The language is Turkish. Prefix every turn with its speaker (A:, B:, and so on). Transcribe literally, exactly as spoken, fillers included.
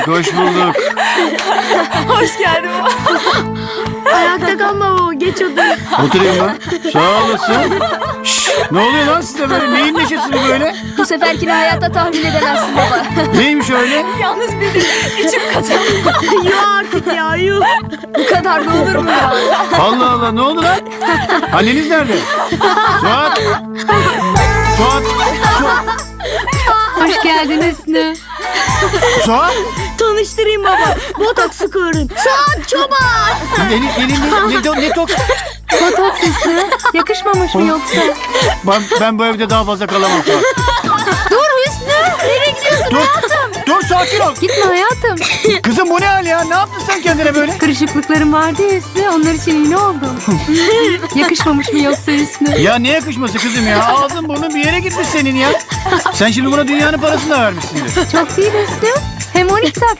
A: Hoş bulduk.
B: Hoş geldin.
C: Ayakta kalma baba, geç odaya.
A: Oturayım ben. Sağ olasın. Şşş, ne oluyor lan size böyle? Neyin neşesi bu böyle?
C: Bu seferkini hayatta tahmin edemezsin baba.
A: Neymiş öyle?
B: Yalnız benim içim katıldı.
C: Yuh artık ya, yuh.
B: Bu kadar da olur mu ya?
A: Allah Allah, ne oldu lan? Anneniz nerede? Suat! Suat! Su-
C: Hoş geldin Hüsnü.
A: Suat!
C: Tanıştırayım baba. Botoks sıkıyorum. Suat Çoban.
A: Elin, elin ne, ne, ne, ne tok?
C: Botoks Hüsnü. Yakışmamış mı yoksa?
A: Ben, ben bu evde daha fazla kalamam Suat.
C: Dur Hüsnü. Nereye gidiyorsun
A: Dur,
C: hayatım?
A: dur sakin ol.
C: Gitme hayatım.
A: Kızım bu ne hal ya? Ne yaptın sen kendine böyle?
C: Kırışıklıklarım vardı ya Hüsnü. Onlar için iğne oldum. Yakışmamış mı yoksa Hüsnü?
A: Ya ne yakışması kızım ya? Ağzın burnun bir yere gitmiş senin ya. Sen şimdi buna dünyanın parasını da vermişsindir.
C: Çok değil Hüsnü. Hem on iki tak